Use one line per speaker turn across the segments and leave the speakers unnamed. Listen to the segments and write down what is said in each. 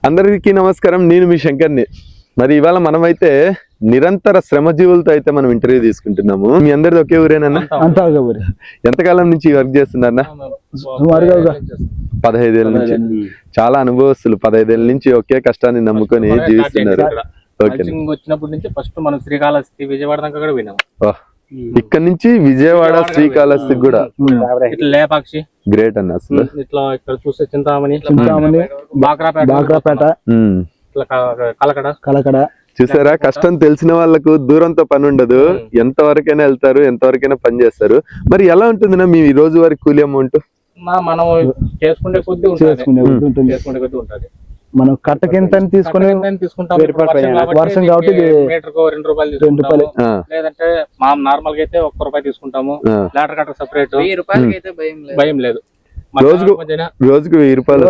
అందరికీ నమస్కారం. నేను మీ శంకర్ని. మరి ఇవాళ మనమైతే నిరంతర శ్రమజీవులతో అయితే మనం ఇంటర్వ్యూ తీసుకుంటున్నాము. మీ అందరిది ఒకే ఊరేనన్నా? ఎంతకాలం నుంచి వర్క్ చేస్తున్నారన్నా? 15 ఏళ్ళ నుంచి. చాలా అనుభవస్తులు. 15 ఏళ్ళ నుంచి ఒకే కష్టాన్ని నమ్ముకొని జీవిస్తున్నారు.
వచ్చినప్పటి నుంచి ఫస్ట్ మనం శ్రీకాళహస్తి విజయవాడ దాకా కూడా విన్నాం.
ఇక్కడ నుంచి విజయవాడ శ్రీకాళహస్తి కూడా
లేపాక్షి
గ్రేట్ అన్న. అసలు
ఇట్లా ఇక్కడ చూస్తే చింతామణి బాక్రాపేట కలకడ
చూసారా? కష్టం తెలిసిన వాళ్ళకు దూరంతో పని ఉండదు. ఎంత వరకైనా వెళ్తారు, ఎంత వరకైనా పని చేస్తారు. మరి ఎలా ఉంటుందినా మీ రోజువారీ కూలీ అమౌంట్?
మనం చేసుకునే కొద్ది ఉంటుంది.
మనం కట్టకింత తీసుకుని వర్షం కాబట్టి
మీటర్కు 2 రూపాయలు లేదంటే మా నార్మల్ గా అయితే 1 రూపాయి తీసుకుంటాము. లేటర్ కట్ట సెపరేట్, భయం లేదు.
రోజుకు 1000 రూపాయలు,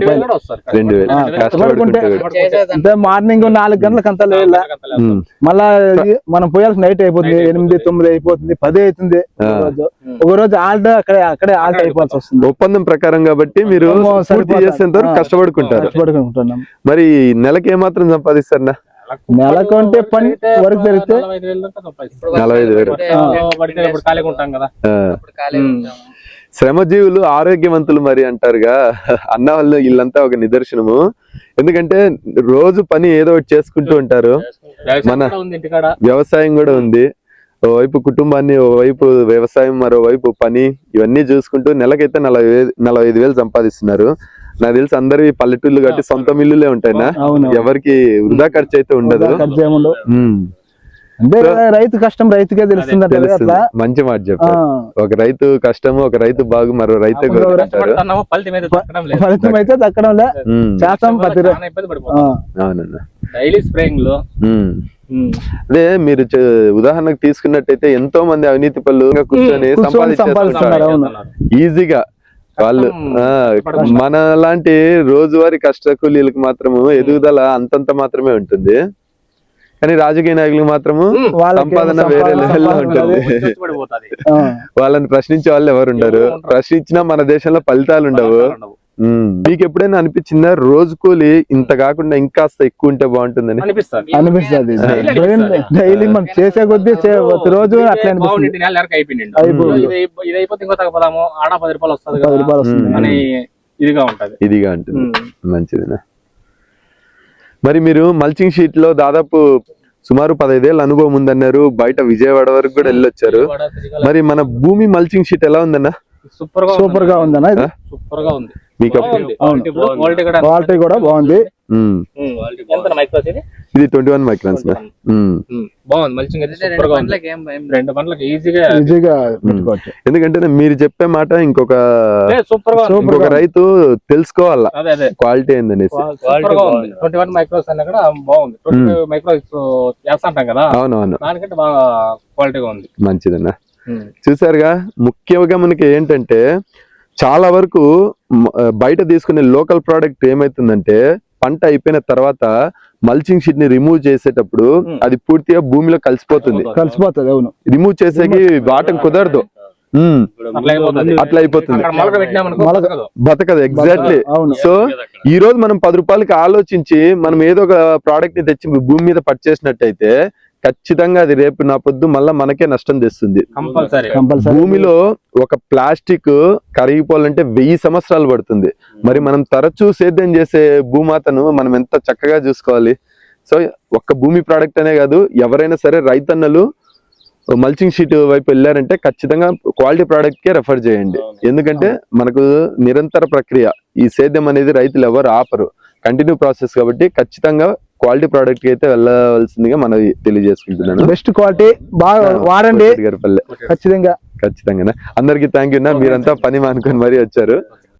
2000. మార్నింగ్ 4 గంటలకు అంతా లేదు. మళ్ళా మనం పోయాల్సిన నైట్ అయిపోతుంది, 8, 9 అయిపోతుంది, 10 అవుతుంది. ఒక రోజు అక్కడే ఆల్ట్ అయిపోవాల్సి వస్తుంది.
ఒప్పందం ప్రకారం కాబట్టి మీరు చేసేంత వరకు కష్టపడుకుంటారు. మరి నెలకి ఏమాత్రం సంపాదిస్తారన్నా?
నెలకు అంటే పని వరకు జరిగితే
45,000
ఖాళీగా ఉంటాం కదా.
శ్రమజీవులు ఆరోగ్యవంతులు మరి అంటారుగా అన్న వాళ్ళు. వీళ్ళంతా ఒక నిదర్శనము. ఎందుకంటే రోజు పని ఏదో ఒకటి చేసుకుంటూ ఉంటారు. మన వ్యవసాయం కూడా ఉంది. ఓవైపు కుటుంబాన్ని, ఓవైపు వ్యవసాయం, మరోవైపు పని, ఇవన్నీ చూసుకుంటూ నెలకైతే 45,000 సంపాదిస్తున్నారు. నాకు తెలిసి అందరి పల్లెటూళ్ళు కాబట్టి సొంత మిల్లులే ఉంటాయినా, ఎవరికి వృధా ఖర్చు అయితే ఉండదు.
అంటే రైతు కష్టం రైతుకే తెలుస్తుంది.
మంచి మాట చెప్పారు. ఒక రైతు కష్టము, ఒక రైతు బాగు, మరో రైతే
ఫలితం అయితే దక్కడంలే.
అవునన్నా.
డైలీ స్ప్రేయింగ్ లో
అదే మీరు ఉదాహరణకు తీసుకున్నట్టయితే ఎంతో మంది అవినీతి పనులు కూర్చొని సంపాదించేస్తున్నారు ఈజీగా. వాళ్ళు మన లాంటి రోజువారీ కష్ట కూలీలకు మాత్రము ఎదుగుదల అంతంత మాత్రమే ఉంటుంది. కానీ రాజకీయ నాయకులకు మాత్రము సంపాదన వేరే లెవెల్లో ఉంటుంది. వాళ్ళని ప్రశ్నించే వాళ్ళు ఎవరు ఉండరు. ప్రశ్నించినా మన దేశంలో ఫలితాలు ఉండవు. మీకు ఎప్పుడైనా అనిపించిందా రోజు కూలి ఇంత కాకుండా ఇంకాస్త ఎక్కువ ఉంటే బాగుంటుందని?
అనిపిస్తుంది. డైలీ మనం చేసే కొద్దీ రోజు అట్లా
ఇదిగా ఉంటుంది. మంచిదినా. మరి మీరు మల్చింగ్ షీట్ లో దాదాపు సుమారు 15 ఏళ్ళ అనుభవం ఉందన్నారు. బయట విజయవాడ వరకు కూడా వెళ్ళొచ్చారు. మరి మన భూమి మల్చింగ్ షీట్ ఎలా ఉందన్నా?
సూపర్ గా ఉందన్నా.
సూపర్ గా ఉంది.
క్వాలిటీ కూడా బాగుంది.
ఇది 21 మైక్రాన్స్
బాగుంది.
ఎందుకంటే మీరు చెప్పే మాట ఇంకొక రైతు తెలుసుకోవాలా క్వాలిటీ ఏందనేసి.
21 మైక్రోస్ అన్న కూడా బాగుంది. 25 మైక్రోస్ చేస్తాంటాం కదా.
అవునవును.
దానికంటే బాగా క్వాలిటీగా ఉంది.
మంచిదన్నా. చూసారుగా, ముఖ్యంగా మనకి ఏంటంటే చాలా వరకు బయట తీసుకునే లోకల్ ప్రోడక్ట్ ఏమైతుందంటే పంట అయిపోయిన తర్వాత మల్చింగ్ షీట్ ని రిమూవ్ చేసేటప్పుడు అది పూర్తిగా భూమిలో కలిసిపోతుంది.
అవును.
రిమూవ్ చేసేకి వాటం కుదరదు. అట్లా అయిపోతుంది, బతకదు. ఎగ్జాక్ట్లీ. సో ఈ రోజు మనం 10 రూపాయలకి ఆలోచించి మనం ఏదో ఒక ప్రోడక్ట్ ని తెచ్చి భూమి మీద పర్చేసినట్టయితే ఖచ్చితంగా అది రేపు నా పొద్దు మళ్ళా మనకే నష్టం తెస్తుంది. భూమిలో ఒక ప్లాస్టిక్ కరిగిపోవాలంటే 1000 సంవత్సరాలు పడుతుంది. మరి మనం తరచూ సేద్యం చేసే భూమాతను మనం ఎంత చక్కగా చూసుకోవాలి. సో ఒక్క భూమి ప్రోడక్ట్ అనే కాదు, ఎవరైనా సరే రైతన్నలు మల్చింగ్ షీట్ వైపు వెళ్ళారంటే ఖచ్చితంగా క్వాలిటీ ప్రోడక్ట్ కే రెఫర్ చేయండి. ఎందుకంటే మనకు నిరంతర ప్రక్రియ. ఈ సేద్యం అనేది రైతులు ఎవరు ఆపరు, కంటిన్యూ ప్రాసెస్ కాబట్టి ఖచ్చితంగా క్వాలిటీ ప్రోడక్ట్ కి అయితే వెళ్ళవలసిందిగా మనం తెలియజేసుకుంటున్నాను.
బెస్ట్ క్వాలిటీ బాగా వాడండి ఖచ్చితంగా.
ఖచ్చితంగా. అందరికి థ్యాంక్ యూ. మీరంతా పని మానుకొని మరీ వచ్చారు.